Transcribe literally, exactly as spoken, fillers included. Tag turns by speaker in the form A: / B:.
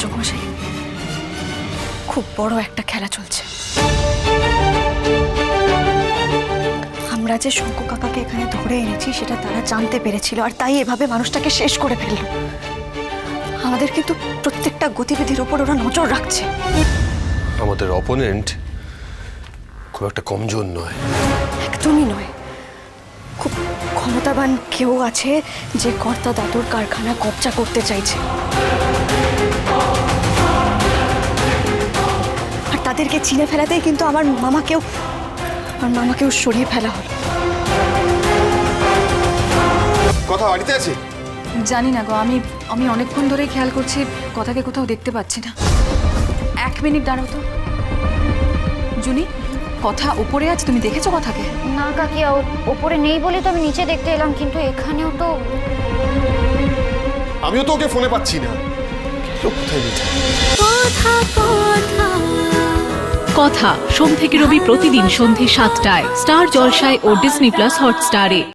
A: রাজমশাই, খুব বড় একটা খেলা চলছে। আমরা যে শঙ্কু কাকাকে এখানে ধরে এনেছি সেটা তারা জানতে পেরেছিল, আর তাই এভাবে মানুষটাকে শেষ করে ফেলল। আমাদের কিন্তু প্রত্যেকটা গতিবিধির উপর ওরা নজর রাখছে।
B: আমাদের অপোনেন্ট খুব একটা কমজোর নয়।
A: একদমই নয়। খুব ক্ষমতাবান কেউ আছে যে কর্তা দাদুর কারখানা কবজা করতে চাইছে, আর তাদেরকে চিনে ফেলাতেই কিন্তু আমার মামাকেও আমার মামাকেও সরিয়ে ফেলা হলো।
C: কথা বাড়িতে আছে?
D: জানি না গো, আমি আমি অনেকক্ষণ ধরেই খেয়াল করছি, কথাকে কোথাও দেখতে পাচ্ছি না। এক মিনিট দাঁড়াও তো। জুনি, কথা উপরে আছে, তুমি দেখেছো কথাকে?
E: না কাকিয়া, ওপরে নেই বলে তো আমি নিচে দেখতে এলাম, কিন্তু এখানেও তো।
C: আমিও তো ওকে ফোনে পাচ্ছি না। কোথায় নিচে?
F: কথা সোম থেকে রবি প্রতিদিন সন্ধে সাতটায় স্টার জলসায় ও ডিজনি প্লাস হটস্টারে।